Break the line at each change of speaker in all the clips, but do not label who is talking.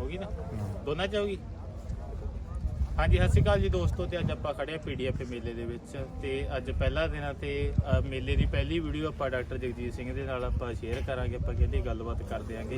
होगी ना दोनों च होगी। हाँ जी, सत श्री अकाल जी दोस्तों। तो अज आप खड़े PDF मेले ਦੇ ਵਿੱਚ ਤੇ ਅੱਜ ਪਹਿਲਾ ਦਿਨ ਆ ਤੇ ਮੇਲੇ ਦੀ ਪਹਿਲੀ ਵੀਡੀਓ ਆਪਾਂ ਡਾਕਟਰ ਜਗਜੀਤ ਸਿੰਘ ਦੇ ਨਾਲ ਆਪਾਂ ਸ਼ੇਅਰ ਕਰਾਂਗੇ। ਆਪਾਂ ਕਿਹੜੀ ਗੱਲਬਾਤ ਕਰਦੇ ਆਂਗੇ।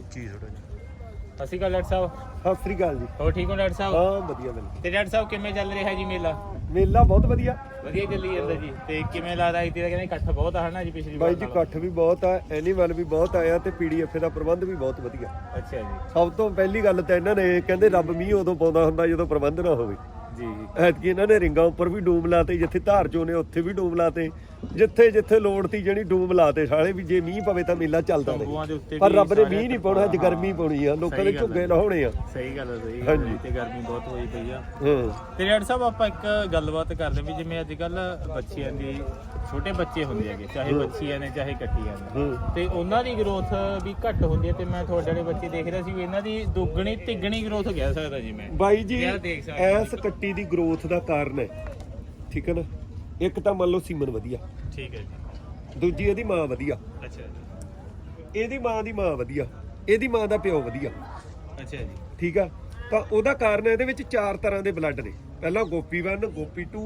ਸਤਿ ਸ਼੍ਰੀ ਅਕਾਲ ਡਾਕਟਰ ਸਾਹਿਬ।
ਸਤਿ ਸ੍ਰੀ ਅਕਾਲ ਜੀ।
ਹੋਰ ਠੀਕ ਹੋ ਡਾਕਟਰ ਸਾਹਿਬ?
ਹਾਂ ਵਧੀਆ ਬਿਲਕੁਲ।
ਤੇ ਡਾਕਟਰ ਸਾਹਿਬ ਕਿਵੇਂ ਚੱਲ ਰਿਹਾ ਜੀ ਮੇਲਾ?
ਮੇਲਾ ਬਹੁਤ ਵਧੀਆ
ਚੱਲੀ ਜਾਂਦਾ ਜੀ। ਤੇ ਕਿਵੇਂ ਲੱਗਦਾ ਇਤੀ ਦਾ ਕਹਿੰਦੇ ਇਕੱਠ ਬਹੁਤ ਆ ਹਨਾ ਜੀ ਪਿਛਲੀ ਵਾਰ
ਬਾਈ ਜੀ? ਇਕੱਠ ਵੀ ਬਹੁਤ ਆ, ਐਨੀਮਲ ਵੀ ਬਹੁਤ ਆਇਆ ਤੇ PDF ਦਾ ਪ੍ਰਬੰਧ ਵੀ ਬਹੁਤ ਵਧੀਆ।
ਅੱਛਾ ਜੀ।
ਸਭ ਤੋਂ ਪਹਿਲੀ ਗੱਲ ਤਾਂ ਇਹਨਾਂ ਨੇ ਕਹਿੰਦੇ ਰੱਬ ਮੀਂਹ ਉਦੋਂ ਪਾਉਂਦਾ ਹੁੰਦਾ ਜਦੋਂ ਪ੍ਰਬੰਧ ਨਾ ਹੋਵੇ।
ਜੀ
ਐਤਕੀ ਇਹਨਾਂ ਨੇ ਰਿੰਗਾਂ ਉੱਪਰ ਵੀ ਡੂਮ ਲਾਤੇ, ਜਿੱਥੇ ਧਾਰ ਚੋਂ ਨੇ ਉੱਥੇ ਵੀ ਡੂਮ ਲਾਤੇ, ਜਿੱਥੇ ਜਿੱਥੇ ਲੋੜ ਤੀ ਜਿਹੜੀ ਡੂਮ ਲਾਤੇ ਸਾਲੇ ਵੀ ਜੇ ਮੀਂਹ ਪਵੇ ਤਾਂ ਮੇਲਾ ਚੱਲਦਾ ਰਹੇ। ਪਰ ਰੱਬ ਨੇ ਮੀਂਹ ਨਹੀਂ ਪਾਉਣਾ, ਅੱਜ ਗਰਮੀ ਪਾਉਣੀ ਆ, ਲੋਕਾਂ ਦੇ ਝੁੱਗੇ ਲਾਉਣੇ ਆ।
ਸਹੀ ਗੱਲ ਹੈ, ਸਹੀ
ਹਾਂਜੀ।
ਤੇ ਗਰਮੀ ਬਹੁਤ ਹੋਈ ਪਈ ਆ।
ਹਾਂ
ਤੇ ਡਾਕਟਰ ਸਾਹਿਬ ਆਪਾਂ ਇੱਕ ਗੱਲਬਾਤ ਕਰਦੇ ਵੀ ਜਿਵੇਂ ਅੱਜ ਕੱਲ ਬੱਚਿਆਂ ਦੀ ਛੋਟੇ ਬੱਚੇ ਹੁੰਦੇ ਹੈਗੇ, ਚਾਹੇ ਬੱਚੀਆਂ ਨੇ ਚਾਹੇ ਕੱਟੀਆਂ ਨੇ, ਤੇ ਉਹਨਾਂ ਦੀ ਗਰੋਥ ਵੀ ਘੱਟ ਹੁੰਦੀ ਹੈ। ਤੇ ਮੈਂ ਤੁਹਾਡੇ ਵਾਲੇ ਬੱਚੇ ਦੇਖ ਰਿਹਾ ਸੀ ਵੀ ਇਹਨਾਂ ਦੀ ਦੁੱਗਣੀ ਤਿੱਗਣੀ ਗਰੋਥ ਕਹਿ ਸਕਦਾ ਜੀ ਮੈਂ।
ਬਾਈ ਜੀ ਐਸ ਕੱਟੀ ਦੀ ਗਰੋਥ ਦਾ ਕਾਰਨ ਹੈ, ਠੀਕ ਹੈ ਨਾ, ਇੱਕ ਤਾਂ ਮੰਨ ਲਓ ਸੀਮਨ ਵਧੀਆ,
ਠੀਕ ਹੈ ਜੀ,
ਦੂਜੀ ਇਹਦੀ ਮਾਂ ਵਧੀਆ,
ਅੱਛਾ ਜੀ,
ਇਹਦੀ ਮਾਂ ਦੀ ਮਾਂ ਵਧੀਆ, ਇਹਦੀ ਮਾਂ ਦਾ ਪਿਓ ਵਧੀਆ,
ਅੱਛਾ ਜੀ,
ਠੀਕ ਆ। ਤਾਂ ਉਹਦਾ ਕਾਰਨ ਇਹਦੇ ਵਿੱਚ 4 ਤਰ੍ਹਾਂ ਦੇ ਬਲੱਡ ਨੇ। ਪਹਿਲਾਂ ਗੋਪੀ 1, ਗੋਪੀ 2,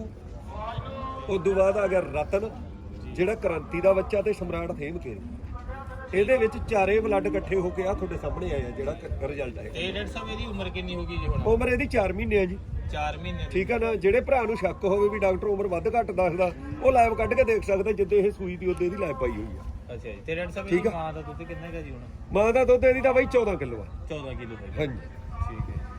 ਉਸ ਤੋਂ ਬਾਅਦ ਆ ਗਿਆ ਰਤਨ ਜਿਹੜਾ ਕ੍ਰਾਂਤੀ ਦਾ ਬੱਚਾ ਤੇ ਸਮਰਾਟ ਥੇਮ ਕੇ। ਇਹਦੇ ਵਿੱਚ ਚਾਰੇ ਬਲੱਡ ਇਕੱਠੇ ਹੋ ਕੇ ਆ ਤੁਹਾਡੇ ਸਾਹਮਣੇ ਆਇਆ ਜਿਹੜਾ ਰਿਜ਼ਲਟ ਹੈ।
ਤੇ ਡਾਕਟਰ ਸਾਹਿਬ ਇਹਦੀ ਉਮਰ ਕਿੰਨੀ ਹੋ ਗਈ ਜੀ ਹੁਣ?
ਉਮਰ ਇਹਦੀ 4 ਮਹੀਨੇ ਆ ਜੀ।
4 ਮਹੀਨੇ,
ਠੀਕ ਆ ਨਾ। ਜਿਹੜੇ ਭਰਾ ਨੂੰ ਸ਼ੱਕ ਹੋਵੇ ਵੀ ਡਾਕਟਰ ਉਮਰ ਵੱਧ ਘੱਟ ਦੱਸਦਾ, ਉਹ ਲਾਈਵ ਕੱਢ ਕੇ ਦੇਖ ਸਕਦਾ। ਜਿੱਦੇ ਇਹ ਸੂਈ ਦੀ ਉਹਦੇ ਇਹਦੀ ਲਾਈਵ ਪਾਈ ਹੋਈ ਆ।
ਅੱਛਾ ਜੀ। ਤੇ ਡਾਕਟਰ ਸਾਹਿਬ ਇਹਦੀ ਮਾਂ ਦਾ ਦੁੱਧ ਕਿੰਨਾ ਹੈ ਜੀ ਹੁਣ?
ਮਾਂ ਦਾ ਦੁੱਧ ਇਹਦੀ ਤਾਂ ਬਾਈ 14 ਕਿਲੋ ਆ।
14 ਕਿਲੋ ਹੈ।
ਹਾਂਜੀ
ਠੀਕ ਹੈ।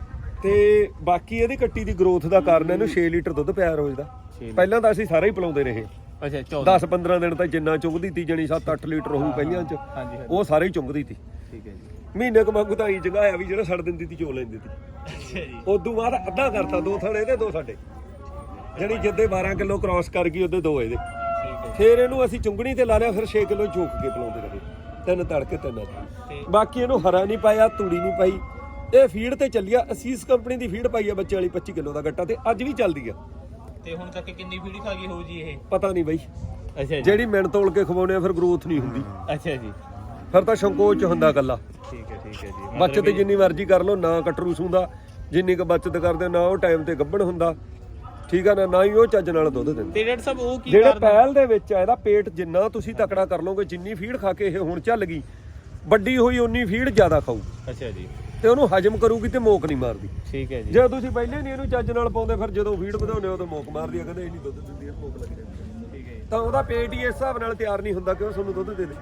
ਤੇ ਬਾਕੀ ਇਹਦੀ ਕੱਟੀ ਦੀ ਗਰੋਥ ਦਾ ਕਾਰਨ ਇਹਨੂੰ 6 ਲੀਟਰ ਦੁੱਧ ਪਿਆ ਰੋਜ਼ ਦਾ। ਪਹਿਲਾਂ ਤਾਂ ਅਸੀਂ ਸਾਰਾ ਹੀ ਪਿਲਾਉਂਦੇ ਰਹੇ।
ਅੱਛਾ
10-15 ਦਿਨ ਤਾਂ ਜਿੰਨਾ ਚੁੰਗਦੀ ਤੀ ਜਣੀ 7-8 ਲੀਟਰ ਹੋਊ ਪਹਿਲਾਂ ਚ, ਉਹ ਸਾਰੇ ਹੀ ਚੁੰਗਦੀ ਤੀ।
ਠੀਕ ਹੈ ਜੀ।
ਮਹੀਨੇ ਕੁ ਮੰਗੂ ਤਾਂ ਹੀ ਜਗਾਇਆ ਵੀ ਜਿਹੜਾ ਛੱਡ ਦਿੰਦੀ ਤੀ ਚੋ ਲੈਂਦੀ ਤੀ।
ਅੱਛਾ ਜੀ।
ਉਦੋਂ ਬਾਅਦ ਅੱਧਾ ਕਰਤਾ, 2 ਥਾਣੇ ਇਹਦੇ 2 ਸਾਡੇ, ਜਿਹੜੀ ਜਿੱਦੇ 12 ਕਿਲੋ ਕ੍ਰਾਸ ਕਰ ਗਈ ਉਹਦੇ 2 ਇਹਦੇ।
ਠੀਕ ਹੈ।
ਫਿਰ ਇਹਨੂੰ ਅਸੀਂ ਚੁੰਗਣੀ ਤੇ ਲਾ ਲਿਆ, ਫਿਰ 6 ਕਿਲੋ ਚੋਕ ਕੇ ਪਿਲਾਉਂਦੇ ਰਹੇ। 3 ਤੜਕੇ 3 ਬਾਕੀ ਇਹਨੂੰ ਹਰਾ ਨਹੀਂ ਪਾਇਆ, ਤੂੜੀ ਨਹੀਂ ਪਾਈ। ਇਹ ਫੀਡ ਤੇ ਚੱਲਿਆ, ਅਸੀਸ ਕੰਪਨੀ ਦੀ ਫੀਡ ਪਾਈ ਆ ਬੱਚੇ ਵਾਲੀ 25 ਕਿਲੋ ਦਾ ਗੱਟਾ, ਤੇ ਅੱਜ ਵੀ ਚੱਲਦੀ ਆ।
ਤੇ ਹੁਣ ਤੱਕ ਕਿੰਨੀ ਫੀਡ ਖਾ ਗਈ ਹੋਊ ਜੀ ਇਹ?
ਪਤਾ ਨਹੀਂ ਬਾਈ।
ਅੱਛਾ ਜੀ।
ਜਿਹੜੀ ਮਿਣ ਤੋਲ ਕੇ ਖਵਾਉਣੇ ਆ ਫਿਰ ਗਰੋਥ ਨਹੀਂ ਹੁੰਦੀ।
ਅੱਛਾ ਜੀ।
ਫਿਰ ਤਾਂ ਸੰਕੋਚ ਹੁੰਦਾ ਗੱਲਾ।
ਠੀਕ ਹੈ, ਠੀਕ ਹੈ ਜੀ।
ਬੱਚਤ ਜਿੰਨੀ ਮਰਜ਼ੀ ਕਰ ਲਓ, ਨਾ ਕਟਰੂਸ ਹੁੰਦਾ। ਜਿੰਨੀ ਕੁ ਬੱਚਤ ਕਰਦੇ ਨਾ ਉਹ ਟਾਈਮ ਤੇ ਗੱਭਣ ਹੁੰਦਾ, ਠੀਕ ਆ ਨਾ, ਨਾ ਹੀ ਉਹ ਚੱਜ ਨਾਲ ਦੁੱਧ ਦਿੰਦੇ।
ਤੇ ਡਾਕਟਰ ਸਾਹਿਬ ਉਹ ਕੀ
ਜਿਹੜੇ ਪਹਿਲ ਦੇ ਵਿੱਚ ਆ, ਇਹਦਾ ਪੇਟ ਜਿੰਨਾ ਤੁਸੀਂ ਤਕੜਾ ਕਰ ਲਓਗੇ, ਜਿੰਨੀ ਫੀਡ ਖਾ ਕੇ ਇਹ ਹੁਣ ਚੱਲ ਗਈ, ਵੱਡੀ ਹੋਈ ਉਨੀ ਫੀਡ ਜ਼ਿਆਦਾ ਖਾਊ।
ਅੱਛਾ ਜੀ।
ਤੇ ਉਹਨੂੰ ਹਜਮ ਕਰੂਗੀ ਤੇ ਮੋਕ ਨਹੀਂ ਮਾਰਦੀ।
ਠੀਕ ਹੈ ਜੀ।
ਜੇ ਤੁਸੀਂ ਪਹਿਲੇ ਨਹੀਂ ਇਹਨੂੰ ਚੱਜ ਨਾਲ ਪਾਉਂਦੇ, ਫਿਰ ਜਦੋਂ ਫੀਡ ਵਧਾਉਂਦੇ ਹੋ ਤਾਂ ਮੋਕ ਮਾਰਦੀ ਆ, ਕਹਿੰਦੇ ਇਹ ਨਹੀਂ ਦੁੱਧ ਦਿੰਦੀ, ਮੋਕ ਲੱਗ ਜਾਂਦੀ।
ਠੀਕ ਹੈ।
ਤਾਂ ਉਹਦਾ ਪੇਟ ਹੀ ਇਸ ਹਿਸਾਬ ਨਾਲ ਤਿਆਰ ਨਹੀਂ ਹੁੰਦਾ ਕਿ ਉਹ ਤੁਹਾਨੂੰ ਦੁੱਧ ਦੇ ਦੇ।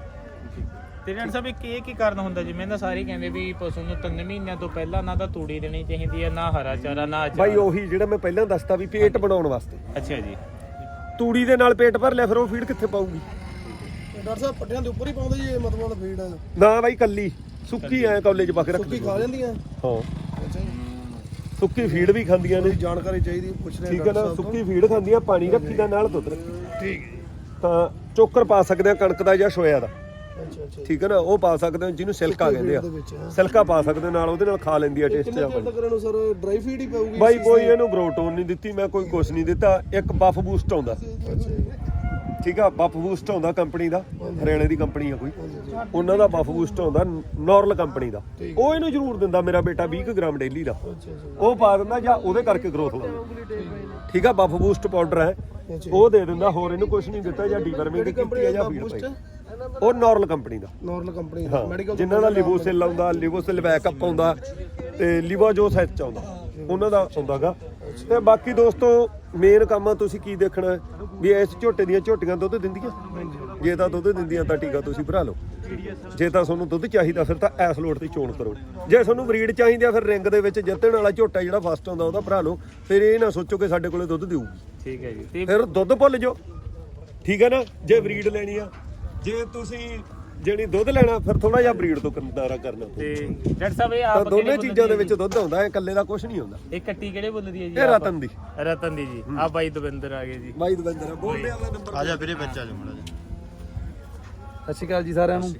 ਤੇ ਡਾਕਟਰ ਸਾਹਿਬ ਇਹ ਕੀ ਕਾਰਨ ਹੁੰਦਾ? ਜਿਵੇਂ ਨਾ ਸਾਰੇ ਕਹਿੰਦੇ ਵੀ ਪਸ਼ੂ ਨੂੰ 3 ਮਹੀਨਿਆਂ ਤੋਂ ਪਹਿਲਾਂ ਨਾ ਤਾਂ ਤੂੜੀ ਦੇਣੀ ਚਾਹੀਦੀ ਹੈ, ਨਾ ਹਰਾ ਚਾਰਾ, ਨਾ ਅਚਾਰ।
ਬਾਈ ਉਹੀ ਜਿਹੜਾ ਮੈਂ ਪਹਿਲਾਂ ਦੱਸਤਾ ਵੀ ਪੇਟ ਬਣਾਉਣ ਵਾਸਤੇ।
ਅੱਛਾ ਜੀ।
ਤੂੜੀ ਦੇ ਨਾਲ ਪੇਟ ਭਰ ਲਿਆ, ਫਿਰ ਉਹ ਫੀਡ ਕਿੱਥੇ ਪਾਊਗੀ?
ਡਾਕਟਰ ਸਾਹਿਬ ਪੱਟਿਆਂ ਦੇ ਉੱਪਰ ਹੀ ਪਾਉਂਦੇ ਜੀ ਇਹ ਮਤਲਬ ਫੀਡ ਹੈ
ਨਾ ਬਾਈ, ਕੱਲੀ ਸੁੱਕੀ ਐ ਕਾਲਜ ਪਾ ਕੇ ਰੱਖ
ਸੁੱਕੀ ਖਾ ਜਾਂਦੀਆਂ।
ਹਾਂ
ਅੱਛਾ ਜੀ।
ਸੁੱਕੀ ਫੀਡ ਵੀ ਖਾਂਦੀਆਂ ਨੇ।
ਜਾਣਕਾਰੀ ਚਾਹੀਦੀ ਪੁੱਛ ਰਹੇ
ਠੀਕ ਹੈ ਨਾ। ਸੁੱਕੀ ਫੀਡ ਖਾਂਦੀਆਂ, ਪਾਣੀ ਰੱਖੀ ਦਾ ਨਾਲ ਦੁੱਧ ਰੱਖੀ।
ਠੀਕ ਹੈ ਜੀ।
ਤਾਂ ਚੋਕਰ ਪਾ ਸਕਦੇ ਆ ਕਣਕ ਦਾ ਜਾਂ ਸੋਇਆ ਦਾ,
ਅੱਛਾ ਅੱਛਾ।
ਠੀਕ ਹੈ ਨਾ, ਉਹ ਪਾ ਸਕਦੇ ਹੋ, ਜਿਹਨੂੰ ਸਿਲਕਾ ਕਹਿੰਦੇ ਆ। ਸਿਲਕਾ ਪਾ ਸਕਦੇ ਨਾਲ, ਉਹਦੇ ਨਾਲ ਖਾ ਲੈਂਦੀ ਆ ਟੇਸਟ ਜਿਹਾ।
ਕਿੰਨੇ ਕਰਨ ਨੂੰ ਸਰ ਡਰਾਈ ਫੀਡ ਹੀ ਪਾਊਗੀ?
ਬਾਈ ਕੋਈ ਇਹਨੂੰ ਗਰੋਟੋਨ ਨਹੀਂ ਦਿੱਤੀ ਮੈਂ, ਕੋਈ ਕੁਛ ਨਹੀਂ ਦਿੱਤਾ। ਇੱਕ ਬਫ ਬੂਸਟ ਆਉਂਦਾ,
ਅੱਛਾ ਜੀ।
ਠੀਕ ਆ, ਬਫ ਬੂਸਟ ਆਉਂਦਾ ਕੰਪਨੀ ਦਾ, ਹਰਿਆਣੇ ਦੀ ਕੰਪਨੀ ਆ ਕੋਈ, ਉਹਨਾਂ ਦਾ ਬਫ ਬੂਸਟ ਆਉਂਦਾ ਨੋਰਲ ਕੰਪਨੀ ਦਾ। ਉਹ ਇਹਨੂੰ ਜ਼ਰੂਰ ਦਿੰਦਾ ਮੇਰਾ ਬੇਟਾ 20 ਗ੍ਰਾਮ ਡੇਲੀ ਦਾ, ਉਹ ਪਾ ਦਿੰਦਾ ਜਾਂ ਉਹਦੇ ਕਰਕੇ ਗਰੋਥ ਲਾਉਂਦਾ। ਠੀਕ ਆ, ਬਫ ਬੂਸਟ ਪਾਊਡਰ ਹੈ, ਉਹ ਦੇ ਦਿੰਦਾ, ਹੋਰ ਇਹਨੂੰ ਕੁਛ ਨਹੀਂ ਦਿੱਤਾ। ਜਾਂ ਡੀਵਰਮਿੰਗ ਕੀਤੀ ਹੈ ਜਾਂ ਫੀਡ ਪਾਈ, ਉਹ ਨੋਰਲ ਕੰਪਨੀ ਦਾ।
ਨੋਰਲ ਕੰਪਨੀ ਦਾ ਮੈਡੀਕਲ
ਜਿਨ੍ਹਾਂ ਦਾ ਲਿਵੋਸਿਲ ਆਉਂਦਾ, ਲਿਵੋਸਿਲ ਬੈਕਅਪ ਆਉਂਦਾ, ਤੇ ਲਿਵਾਜੋਸ ਐਚ ਆਉਂਦਾ, ਉਹਨਾਂ ਦਾ ਆਉਂਦਾਗਾ। ਤੇ ਬਾਕੀ ਦੋਸਤੋ ਮੇਨ ਕੰਮ ਆ, ਤੁਸੀਂ ਕੀ ਦੇਖਣਾ ਵੀ ਇਸ ਝੋਟੇ ਦੀਆਂ ਝੋਟੀਆਂ ਦੁੱਧ ਦਿੰਦੀਆਂ। ਜੇ ਤਾਂ ਦੁੱਧ ਦਿੰਦੀਆਂ ਤਾਂ ਟੀਕਾ ਤੁਸੀਂ ਭਰਾ ਲਓ। ਜੇ ਤਾਂ ਤੁਹਾਨੂੰ ਦੁੱਧ ਚਾਹੀਦਾ ਫਿਰ ਤਾਂ ਐਸ ਲੋਟ ਤੇ ਚੋਣ ਕਰੋ। ਜੇ ਤੁਹਾਨੂੰ ਬਰੀਡ ਚਾਹੀਦੀ ਆ ਫਿਰ ਰਿੰਗ ਦੇ ਵਿੱਚ ਜਿੱਤਣ ਵਾਲਾ ਝੋਟਾ ਜਿਹੜਾ ਫਸਟ ਆਉਂਦਾ ਉਹਦਾ ਭਰਾ ਲਓ। ਫਿਰ ਇਹ ਨਾ ਸੋਚੋ ਕਿ ਸਾਡੇ ਕੋਲੇ ਦੁੱਧ ਦੇਊਗੀ।
ਠੀਕ ਹੈ ਜੀ।
ਫਿਰ ਦੁੱਧ ਭੁੱਲ ਜਾਓ, ਠੀਕ ਹੈ ਨਾ। ਜੇ ਬਰੀਡ ਲੈਣੀ ਆ, ਜੇ ਤੁਸੀਂ ਜਿਹੜੀ ਦੁੱਧ ਲੈਣਾ ਫਿਰ ਥੋੜਾ ਜਿਹਾ ਬਰੀਡ ਤੋਂ ਕੰਦਾਰਾ ਕਰਨਾ।
ਤੇ ਡਾਕਟਰ ਸਾਹਿਬ ਇਹ
ਤਾਂ
ਆਪ
ਦੋਨੇ ਚੀਜ਼ਾਂ ਦੇ ਵਿੱਚ ਦੁੱਧ ਆਉਂਦਾ, ਇਹ ਇਕੱਲੇ ਦਾ ਕੁਝ ਨਹੀਂ ਹੁੰਦਾ।
ਇਹ ਕੱਟੀ ਕਿਹੜੇ ਬੁੱਲ ਦੀ ਹੈ ਜੀ?
ਇਹ ਰਤਨ ਦੀ।
ਰਤਨ ਦੀ ਜੀ। ਆ ਬਾਈ ਦਵਿੰਦਰ ਆ ਗਏ ਜੀ।
ਬਾਈ ਦਵਿੰਦਰ ਬੋਲਦੇ ਵਾਲਾ ਨੰਬਰ
ਆ ਜਾ ਵੀਰੇ, ਬੱਚਾ ਜੋ ਮੜਾ ਜੀ।
ਸਤਿ ਸ਼੍ਰੀ ਅਕਾਲ ਜੀ ਸਾਰਿਆਂ ਨੂੰ।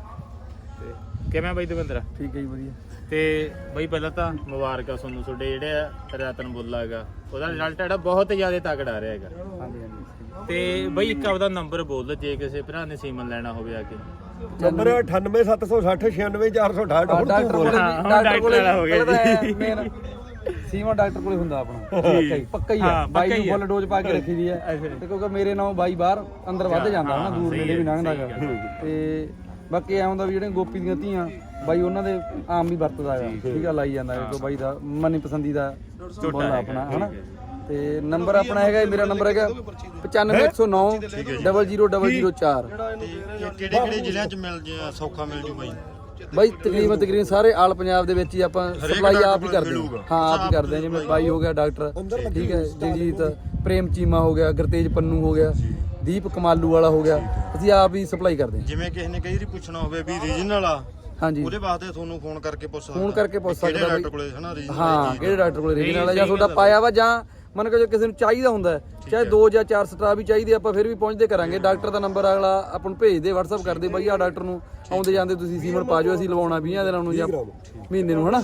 ਤੇ ਕਿਵੇਂ ਬਾਈ ਦਵਿੰਦਰ?
ਠੀਕ ਹੈ ਜੀ, ਵਧੀਆ।
ਤੇ ਬਾਈ ਪਹਿਲਾਂ ਤਾਂ ਮੁਬਾਰਕਾਂ ਤੁਹਾਨੂੰ, ਤੁਹਾਡੇ ਜਿਹੜੇ ਰਤਨ ਬੁੱਲਾ ਹੈਗਾ ਉਹਦਾ ਰਿਜ਼ਲਟ ਜਿਹੜਾ ਬਹੁਤ ਜ਼ਿਆਦਾ ਤਕੜਾ ਆ ਰਿਹਾ ਹੈਗਾ।
ਹਾਂਜੀ ਹਾਂਜੀ।
ਤੇ ਬਾਈ ਇੱਕ ਆਪਦਾ ਨੰਬਰ ਬੋਲ ਜੇ ਕਿਸੇ ਭਰਾ ਨੇ ਸੀਮਨ ਲੈਣਾ ਹੋਵੇ ਆ ਕੇ।
ਨੰਬਰ 9876066468 ਹੁਣ ਤੂੰ
ਡਾਕਟਰ
ਬੋਲ।
ਕੋਲੇ
ਹੁਣ
ਡਾਕਟਰ ਕੋਲੇ
ਡਾਕਟਰ ਹੋ ਗਿਆ
ਪਹਿਲਾਂ ਤਾਂ
ਜੀ।
ਮੇਨ ਸੀਮਾ ਡਾਕਟਰ ਕੋਲੇ ਹੁੰਦਾ ਆਪਣਾ ਪੱਕਾ ਹੀ ਆ
ਹਾਂ,
ਬਾਈ
ਪੱਕਾ
ਨੂੰ
ਹੀ ਆ।
ਫੁੱਲ ਡੋਜ਼ ਪਾ ਕੇ ਰੱਖੀ ਦੀ ਹੈ ਤੇ ਕਿਉਂਕਿ ਮੇਰੇ ਨਾਲ ਬਾਈ ਬਾਹਰ ਅੰਦਰ ਵੱਧ ਜਾਂਦਾ ਹਨਾ ਦੂਰ ਨੇੜੇ ਵੀ ਲੰਘਦਾ ਗਾ ਤੇ ਬਾਕੀ ਐ ਹੁੰਦਾ ਵੀ ਜਿਹੜੇ ਗੋਪੀ ਦੀਆਂ ਧੀਆਂ ਬਾਈ ਉਹਨਾਂ ਦੇ ਆਮ ਵੀ ਵਰਤਦਾ ਹੈਗਾ ਠੀਕ ਆ ਲਾਈ ਜਾਂਦਾ ਕਿਉਂਕਿ ਬਾਈ ਦਾ ਮਨੀ ਪਸੰਦੀਦਾ ਬੋਲਦਾ ਆਪਣਾ ਹਨਾ ਤੇ ਨੰਬਰ ਆਪਣਾ ਹੈਗਾ ਮੇਰਾ ਨੰਬਰ ਹੈਗਾ 95109 00004
ਕਿਹੜੇ ਜ਼ਿਲ੍ਹਿਆਂ ਚ ਮਿਲ ਜਾ ਸੌਖਾ ਮਿਲ ਜੂ ਬਾਈ
ਬਾਈ ਤਕਰੀਬਨ ਸਾਰੇ ਆਲ ਪੰਜਾਬ ਦੇ ਵਿੱਚ ਹੀ ਆਪਾਂ ਸਪਲਾਈ ਆਪ ਹੀ ਕਰਦੇ ਹਾਂ ਹਾਂ ਆਪ ਹੀ ਕਰਦੇ ਹਾਂ ਜਿਵੇਂ ਬਾਈ ਹੋ ਗਿਆ ਡਾਕਟਰ ਠੀਕ ਹੈ ਜਗਜੀਤ ਪ੍ਰੇਮ ਚੀਮਾ ਹੋ ਗਿਆ ਗੁਰਤੇਜ ਪੰਨੂ ਹੋ ਗਿਆ ਦੀਪ ਕਮਾਲੂ ਵਾਲਾ ਹੋ ਗਿਆ ਅਸੀਂ ਆਪ ਹੀ ਸਪਲਾਈ ਕਰਦੇ ਹਾਂ
ਜਿਵੇਂ ਕਿਸੇ ਨੇ ਕਈ ਵਾਰੀ ਪੁੱਛਣਾ ਹੋਵੇ ਵੀ ਰੀਜਨਲ ਆ
ਹਾਂਜੀ
ਉਹਦੇ ਵਾਸਤੇ ਤੁਹਾਨੂੰ ਫੋਨ ਕਰਕੇ ਪੁੱਛ ਸਕਦਾ
ਫੋਨ ਕਰਕੇ ਪੁੱਛ
ਕਿਹੜੇ
ਸਕਦਾ
ਡਾਕਟਰ ਕੋਲੇ ਹਨਾ ਰੀਜਨਲ
ਹਾਂ ਕਿਹੜੇ ਡਾਕਟਰ ਕੋਲ ਰੀਜਨਲ ਹੈ ਜਾਂ ਤੁਹਾਡਾ ਪਾਇਆ ਵਾ ਜਾਂ ਮੰਨ ਕੇ ਜੇ ਕਿਸੇ ਨੂੰ ਚਾਹੀਦਾ ਹੁੰਦਾ ਹੈ, ਚਾਹੇ 2 ਜਾਂ 4 ਸਟਰਾ ਵੀ ਚਾਹੀਦੇ ਆਪਾਂ ਫਿਰ ਵੀ ਪਹੁੰਚਦੇ ਕਰਾਂਗੇ ਡਾਕਟਰ ਦਾ ਨੰਬਰ ਅਗਲਾ ਆਪਾਂ ਨੂੰ ਭੇਜ ਦੇ WhatsApp ਕਰਦੇ ਬਾਈ ਆ ਡਾਕਟਰ ਨੂੰ ਆਉਂਦੇ ਜਾਂਦੇ ਤੁਸੀਂ ਸੀਮਨ ਪਾ ਜਾਓ ਅਸੀਂ ਲਵਾਉਣਾ 20 ਦਿਨਾਂ ਨੂੰ ਜਾਂ ਮਹੀਨੇ ਨੂੰ ਹਨਾ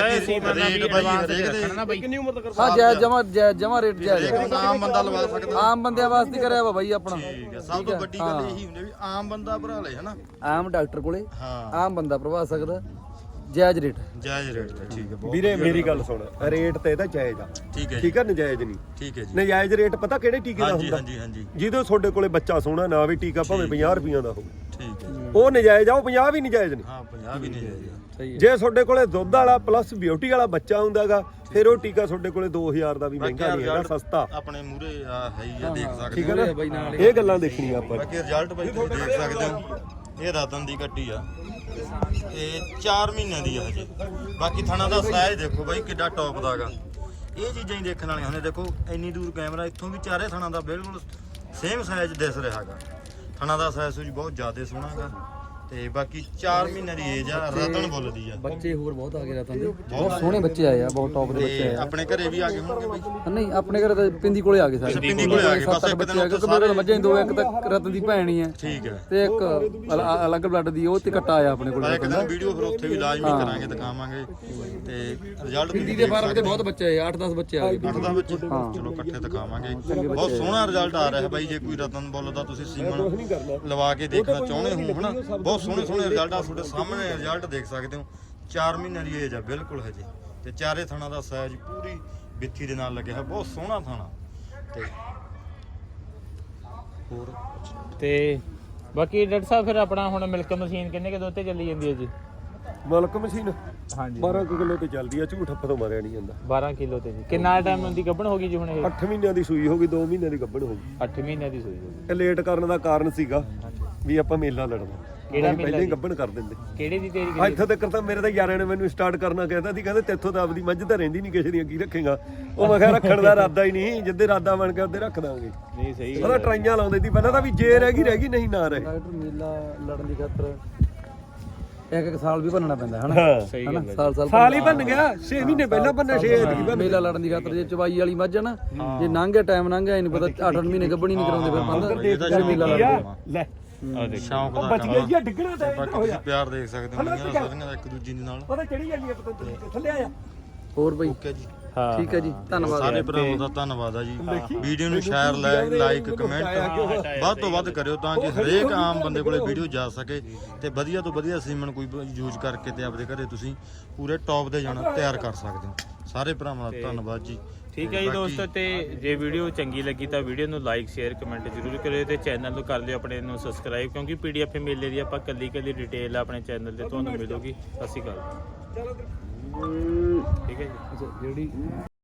ਕਿੰਨੀ ਉਮਰ ਤੱਕ
ਹਾਂ ਜਮਾ ਰੇਟ ਜਾਇਜ਼
ਆਮ ਬੰਦਾ ਲਵਾ ਸਕਦਾ
ਆਮ ਬੰਦਿਆਂ ਵਾਸਤੇ ਕਰਿਆ ਵਾ ਬਾਈ ਆਪਣਾ
ਠੀਕ ਹੈ ਸਭ ਤੋਂ ਵੱਡੀ ਗੱਲ ਇਹੀ ਹੁੰਦੀ ਵੀ ਆਮ ਬੰਦਾ ਭਰਾ ਲੈ ਹਨਾ
ਆਮ ਡਾਕਟਰ ਕੋਲੇ
ਹਾਂ
ਆਮ ਬੰਦਾ ਪ੍ਰਭਾ ਸਕਦਾ ਜਾਇਜ਼ ਰੇਟ
ਜਾਇਜ਼ ਰੇਟ ਤੇ ਠੀਕ ਹੈ
ਵੀਰੇ ਮੇਰੀ ਗੱਲ ਸੁਣ ਰੇਟ ਤੇ ਇਹਦਾ ਜਾਇਜ਼ ਆ
ਠੀਕ ਹੈ ਜੀ
ਠੀਕ ਆ ਨਜਾਇਜ਼ ਨਹੀਂ
ਠੀਕ ਹੈ ਜੀ
ਨਜਾਇਜ਼ ਰੇਟ ਪਤਾ ਕਿਹੜੇ ਟੀਕੇ ਦਾ
ਹਾਂਜੀ
ਹੁੰਦਾ
ਹਾਂਜੀ ਹਾਂਜੀ
ਜਿਹਦੇ ਤੁਹਾਡੇ ਕੋਲੇ ਬੱਚਾ ਸੋਹਣਾ ਨਾ ਵੀ ਟੀਕਾ ਭਾਵੇਂ 50 ਰੁਪਈਆਂ ਦਾ ਹੋਵੇ
ਠੀਕ ਹੈ
ਉਹ ਨਜਾਇਜ਼ ਆ ਉਹ 50 ਵੀ ਨਜਾਇਜ਼ ਨਹੀਂ
ਹਾਂ 50 ਵੀ ਨਹੀਂ ਜਾਇਜ਼
ਸਹੀ ਹੈ
ਜੇ ਤੁਹਾਡੇ ਕੋਲੇ ਦੁੱਧ ਵਾਲਾ ਪਲੱਸ ਬਿਊਟੀ ਵਾਲਾ ਬੱਚਾ ਹੁੰਦਾਗਾ ਫਿਰ ਉਹ ਟੀਕਾ ਤੁਹਾਡੇ ਕੋਲੇ 2000 ਦਾ ਵੀ ਮਹਿੰਗਾ ਨਹੀਂ ਹੈਗਾ ਸਸਤਾ
ਆਪਣੇ ਮੂਰੇ ਹੈ ਹੀ ਆ ਦੇਖ ਸਕਦੇ
ਠੀਕ
ਹੋ
ਹੈ ਨਾ
ਬਾਈ ਨਾਲ
ਇਹ ਗੱਲਾਂ ਦੇਖਣੀਆਂ ਆਪਾਂ
ਬਾਕੀ ਰਿਜ਼ਲਟ ਬਾਈ ਤੁਸੀਂ ਦੇਖ ਸਕਦੇ ਹੋ ਇਹ ਰਤਨ ਦੀ ਕੱਟੀ ਆ ਇਹ 4 ਮਹੀਨਿਆਂ ਦੀ ਆ ਹਜੇ ਬਾਕੀ ਥਣਾ ਦਾ ਸਾਈਜ਼ ਦੇਖੋ ਬਾਈ ਕਿੱਡਾ ਟੌਪ ਦਾਗਾ ਇਹ ਚੀਜ਼ਾਂ ਹੀ ਦੇਖਣ ਵਾਲੀਆਂ ਹੁੰਦੀਆਂ ਦੇਖੋ ਇੰਨੀ ਦੂਰ ਕੈਮਰਾ ਇੱਥੋਂ ਵੀ ਚਾਰੇ ਥਣਾ ਦਾ ਬਿਲਕੁਲ ਸੇਮ ਸਾਈਜ਼ ਦਿਸ ਰਿਹਾਗਾ ਥਣਾ ਦਾ ਸਾਈਜ਼ ਵੀ ਬਹੁਤ ਜ਼ਿਆਦਾ ਸੋਹਣਾਗਾ ਤੇ ਬਾਕੀ 4 ਮਹੀਨਿਆਂ ਦੀ ਏਜ ਆ ਰਤਨ ਬੋਲਦੀ ਆ
ਬੱਚੇ ਹੋਰ ਬਹੁਤ ਆ ਗਏ ਰਤਨ ਦੇ ਬਹੁਤ ਸੋਹਣੇ ਬੱਚੇ ਆਏ ਆ ਬਹੁਤ ਟੌਪ ਦੇ ਬੱਚੇ
ਤੇ
ਆਏ ਆ
ਆਪਣੇ ਘਰੇ ਵੀ ਆ ਗਏ ਹੋਣਗੇ ਬਾਈ
ਨਹੀਂ ਆਪਣੇ ਘਰੇ ਤਾਂ ਪਿੰਦੀ ਕੋਲੇ ਆ ਗਏ ਸਾਰੇ
ਪਿੰਦੀ ਕੋਲੇ ਆ ਗਏ, ਬਸ ਇੱਕ
ਬੱਚੇ
ਦਿਨ
ਆ ਗਏ ਕਿਉਂਕਿ ਮੇਰੇ ਮੱਝਾਂ ਹੀ ਦੋ ਇੱਕ ਤਾਂ ਰਤਨ ਦੀ ਭੈਣ ਹੀ ਹੈ
ਠੀਕ ਹੈ
ਤੇ ਇੱਕ ਅਲੱਗ ਬਲੱਡ ਦੀ ਉਹ ਤੇ ਕੱਟਾ ਆਇਆ ਆਪਣੇ ਕੋਲ
ਇੱਕ ਦਿਨ ਵੀਡੀਓ ਫਿਰ ਉੱਥੇ ਵੀ ਲਾਜ਼ਮੀ ਕਰਾਂਗੇ ਦਿਖਾਵਾਂਗੇ ਤੇ ਰਿਜ਼ਲਟ
ਪਿੰਦੀ ਦੇ ਫਾਰਮ ਤੇ ਬਹੁਤ ਬੱਚੇ ਆਏ 8-10 ਬੱਚੇ ਆ ਗਏ
ਦਾ ਵਿੱਚ ਚਲੋ ਇਕੱਠੇ ਦਿਖਾਵਾਂਗੇ ਬਹੁਤ ਸੋਹਣਾ ਰਿਜ਼ਲਟ ਆ ਰਿਹਾ ਬਾਈ ਜੇ ਕੋਈ ਰਤਨ ਬੁੱਲ ਦਾ ਤੁਸੀਂ ਸੀਮਨ ਲਵਾ ਕੇ ਦੇਖਣਾ ਚਾਹੁੰਦੇ ਹੋ ਹਨਾ ਬਹੁਤ ਸੋਹਣੇ ਰਿਜ਼ਲਟ ਆ ਤੁਹਾਡੇ ਸਾਹਮਣੇ ਰਿਜ਼ਲਟ ਦੇਖ ਸਕਦੇ ਹੋ 4 ਮਹੀਨਿਆਂ ਦੀ ਏਜ ਆ ਬਿਲਕੁਲ ਹਜੇ ਤੇ ਚਾਰੇ ਥਣਾ ਦਾ ਸਾਈਜ਼ ਪੂਰੀ ਬਿੱਥੀ ਦੇ ਨਾਲ ਲੱਗਿਆ ਹੈ ਬਹੁਤ ਸੋਹਣਾ ਥਾਣਾ ਤੇ ਹੋਰ
ਤੇ ਬਾਕੀ ਡਾਕਟਰ ਸਾਹਿਬ ਫਿਰ ਆਪਣਾ ਹੁਣ ਮਿਲਕ ਮਸ਼ੀਨ ਕਿੰਨੇ ਕਿ ਦੁੱਧ ਤੇ ਚੱਲੀ ਜਾਂਦੀ ਹੈ ਜੀ
ਮਲਕ ਮਸ਼ੀਨ
ਹਾਂਜੀ
12 ਕਿਲੋ ਤੇ ਚੱਲਦੀ ਆ ਝੂਠ ਹੱਥ ਤੋਂ ਮਾਰਿਆ ਨਹੀਂ ਜਾਂਦਾ
12 ਕਿਲੋ ਤੇ ਜੀ ਕਿੰਨਾ ਟਾਈਮ ਦੀ ਗੱਭਣ ਹੋ ਗਈ ਜੀ ਹੁਣ ਇਹ
8 ਮਹੀਨਿਆਂ ਦੀ ਸੂਈ ਹੋ ਗਈ 2 ਮਹੀਨਿਆਂ ਦੀ ਗੱਭਣ ਹੋ ਗਈ
8 ਮਹੀਨਿਆਂ ਦੀ ਸੂਈ ਹੋ ਗਈ
ਇਹ ਲੇਟ ਕਰਨ ਦਾ ਕਾਰਨ ਸੀਗਾ ਵੀ ਆਪਾਂ ਮੇਲਾ ਲੜਨਾ
ਕਿਹੜਾ
ਅਸੀਂ
ਮੇਲਾ
ਪਹਿਲਾਂ ਹੀ
ਜੀ?
ਗੱਭਣ ਕਰ ਦਿੰਦੇ
ਕਿਹੜੇ ਦੀ ਤੇਰੀ
ਆ ਇੱਥੋਂ ਤੱਕ ਤਾਂ ਮੇਰੇ ਤਾਂ ਯਾਰਾਂ ਨੇ ਮੈਨੂੰ ਸਟਾਰਟ ਕਰਨਾ ਕਹਿੰਦਾ ਸੀ ਕਹਿੰਦੇ ਤੇਥੋਂ ਤਾਂ ਆਪਦੀ ਮੱਝ ਤਾਂ ਰਹਿੰਦੀ ਨਹੀਂ ਕਿਸੇ ਦੀਆਂ ਕੀ ਰੱਖੇਗਾ ਉਹ ਮੈਂ ਕਿਹਾ ਰੱਖਣ ਦਾ ਇਰਾਦਾ ਹੀ ਨਹੀਂ ਜਿੱਦੇ ਇਰਾਦਾ ਬਣ ਗਿਆ ਉਹਦੇ ਰੱਖ ਦਾਂਗੇ
ਨਹੀਂ ਸਹੀ
ਉਹਦਾ ਟਰਾਈਆਂ ਲਾਉਂਦੇ ਸੀ ਪਹਿਲਾਂ ਤਾਂ ਵੀ ਜੇ ਰਹਿ ਗਈ ਨਹੀਂ ਨਾ ਰਹੇ
ਡਾਕਟਰ ਮੇਲਾ ਲੜਨ ਦੀ ਖਾਤਰ ਇੱਕ ਸਾਲ ਵੀ ਭੰਨਣਾ ਪੈਂਦਾ ਹਨਾ
ਹਾਂ
ਸਹੀ
ਹਨਾ
ਗੱਲ ਹੈ
ਸਾਲ
ਹੀ ਬਣ ਗਿਆ 6 ਮਹੀਨੇ ਪਹਿਲਾਂ ਬੰਨਾ 6 ਐਤਕੀ
ਮੇਲਾ ਲੜਨ ਦੀ ਖਾਤਰ ਜੇ ਚਵਾਈ ਵਾਲੀ ਮੱਝ ਆ ਨਾ ਜੇ ਲੰਘ ਗਿਆ ਟਾਈਮ ਲੰਘ ਗਿਆ ਨਹੀਂ ਪਤਾ 8-8 ਮਹੀਨੇ ਗੱਭਣੀ ਨਹੀਂ ਕਰਾਉਂਦੇ ਫਿਰ ਬੰਦ ਮੇਲਾ ਲੜਦੇ
ਲੈ
ਆ ਦੇਖ
ਸ਼ੌਂਕ ਦਾ
ਬਚ ਗਿਆ ਜੀ ਡਿੱਗਣਾ ਤਾਂ
ਬਾਕੀ ਤੁਸੀਂ ਪਿਆਰ ਦੇਖ ਸਕਦੇ ਹੋ ਮੀਆਂ ਸਾਰੀਆਂ ਦਾ ਇੱਕ ਦੂਜੀ ਦੇ ਨਾਲ
ਉਹਦਾ ਚੜੀ ਜਾਂਦੀ ਆ ਪਤਾ ਥੱਲੇ ਆ
ਹੋਰ ਬਈ
ਓਕੇ ਜੀ
ਹਾਂ
ਠੀਕ ਹੈ ਜੀ ਧੰਨਵਾਦ
ਸਾਰੇ ਭਰਾਵਾਂ ਦਾ ਧੰਨਵਾਦ ਆ ਜੀ ਵੀਡੀਓ ਨੂੰ ਸ਼ੇਅਰ ਲਾਈਕ ਕਮੈਂਟ ਵੱਧ ਤੋਂ ਵੱਧ ਕਰਿਓ ਤਾਂ ਕਿ ਹਰੇਕ ਆਮ ਬੰਦੇ ਕੋਲੇ ਵੀਡੀਓ ਜਾ ਸਕੇ ਤੇ ਵਧੀਆ ਤੋਂ ਵਧੀਆ ਸੀਮਨ ਕੋਈ ਯੂਜ਼ ਕਰਕੇ ਤੇ ਆਪਦੇ ਘਰੇ ਤੁਸੀਂ ਪੂਰੇ ਟੌਪ ਦੇ ਜਾਣਾ ਤਿਆਰ ਕਰ ਸਕਦੇ ਹੋ ਸਾਰੇ ਭਰਾਵਾਂ ਦਾ ਧੰਨਵਾਦ ਜੀ
ਠੀਕ ਹੈ ਜੀ ਦੋਸਤੋ ਤੇ ਜੇ ਵੀਡੀਓ ਚੰਗੀ ਲੱਗੀ ਤਾਂ ਵੀਡੀਓ ਨੂੰ ਲਾਈਕ ਸ਼ੇਅਰ ਕਮੈਂਟ ਜ਼ਰੂਰ ਕਰਿਓ ਤੇ ਚੈਨਲ ਨੂੰ ਕਰ ਲਿਓ ਆਪਣੇ ਨੂੰ ਸਬਸਕ੍ਰਾਈਬ ਕਿਉਂਕਿ ਪੀਡੀਐਫ ਮੇਲੇ ਦੀ ਆਪਾਂ ਕੱਲੀ ਡਿਟੇਲ ਆਪਣੇ ਚੈਨਲ ਤੇ ਤੁਹਾਨੂੰ ਮਿਲੂਗੀ। ਸਤਿ ਸ਼੍ਰੀ ਅਕਾਲ। ਠੀਕ ਹੈ ਜੀ
ਜਿਹੜੀ